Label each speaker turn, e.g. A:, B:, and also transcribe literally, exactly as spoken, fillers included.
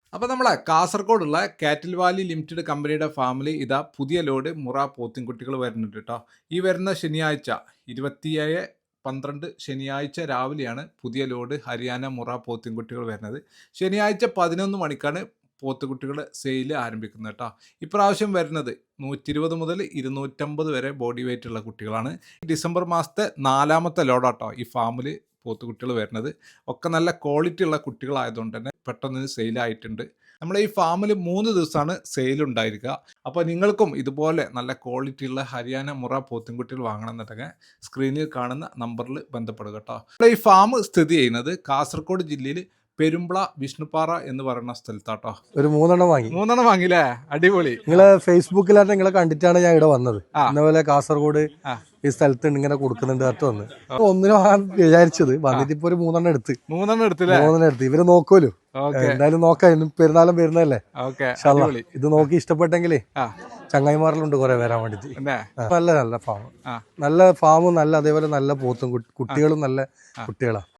A: അപ്പോൾ നമ്മളെ കാസർഗോഡുള്ള കാറ്റിൽ വാലി ലിമിറ്റഡ് കമ്പനിയുടെ ഫാമിൽ ഇതാ പുതിയ ലോഡ് മുറ പോത്തിൻകുട്ടികൾ വരുന്നുണ്ട് കേട്ടോ. ഈ വരുന്ന ശനിയാഴ്ച ഇരുപത്തിയേഴ് പന്ത്രണ്ട് ശനിയാഴ്ച രാവിലെയാണ് പുതിയ ലോഡ് ഹരിയാന മുറ പോത്തിൻകുട്ടികൾ വരുന്നത്. ശനിയാഴ്ച പതിനൊന്ന് മണിക്കാണ് പോത്തുകുട്ടികൾ സെയിൽ ആരംഭിക്കുന്നത് കേട്ടോ. ഇപ്രാവശ്യം വരുന്നത് നൂറ്റി ഇരുപത് മുതൽ ഇരുന്നൂറ്റമ്പത് വരെ ബോഡി വെയിറ്റ് ഉള്ള കുട്ടികളാണ്. ഡിസംബർ മാസത്തെ നാലാമത്തെ ലോഡാട്ടോ ഈ ഫാമിൽ പോത്തുകുട്ടികൾ വരുന്നത്. ഒക്കെ നല്ല ക്വാളിറ്റി ഉള്ള കുട്ടികളായതുകൊണ്ട് തന്നെ പെട്ടെന്ന് സെയിലായിട്ടുണ്ട്. നമ്മുടെ ഈ ഫാമിൽ മൂന്ന് ദിവസമാണ് സെയിൽ ഉണ്ടായിരിക്കുക. അപ്പോൾ നിങ്ങൾക്കും ഇതുപോലെ നല്ല ക്വാളിറ്റി ഉള്ള ഹരിയാന മുറ പോത്തുംകുട്ടികൾ വാങ്ങണമെന്നുണ്ടെങ്കിൽ സ്ക്രീനിൽ കാണുന്ന നമ്പറിൽ ബന്ധപ്പെടുക കേട്ടോ. നമ്മുടെ ഈ ഫാം സ്ഥിതി ചെയ്യുന്നത് കാസർഗോഡ് ജില്ലയിൽ പെരുമ്പള വിഷ്ണുപ്പാറ എന്ന് പറയുന്ന സ്ഥലത്താട്ടോ.
B: ഒരു മൂന്നെണ്ണം വാങ്ങി
A: മൂന്നെണ്ണം വാങ്ങിയില്ലേ? അടിപൊളി.
B: നിങ്ങളെ ഫേസ്ബുക്കിലായിട്ട് നിങ്ങളെ കണ്ടിട്ടാണ് ഞാൻ ഇവിടെ വന്നത്. ഇന്നപോലെ കാസർഗോഡ് ഈ സ്ഥലത്ത് ഇങ്ങനെ കൊടുക്കുന്നുണ്ട് അടുത്ത് വന്ന് ഒന്നിനും വാങ്ങാൻ വിചാരിച്ചത് വന്നിട്ട് ഇപ്പൊ ഒരു മൂന്നെണ്ണം എടുത്ത്
A: മൂന്നെണ്ണം എടുത്തില്ലേ?
B: മൂന്നെണ്ണം എടുത്ത് ഇവര് നോക്കുമല്ലോ, എന്തായാലും നോക്കാം. പെരുന്നാളും വരുന്നല്ലേ, ഇത് നോക്കി ഇഷ്ടപ്പെട്ടെങ്കിലേ ചങ്ങായിമാരിലുണ്ട് കുറെ വരാൻ വേണ്ടിട്ട്. നല്ല നല്ല ഫാം, നല്ല ഫാമും നല്ല അതേപോലെ നല്ല പോത്തും കുട്ടികളും നല്ല കുട്ടികളാ.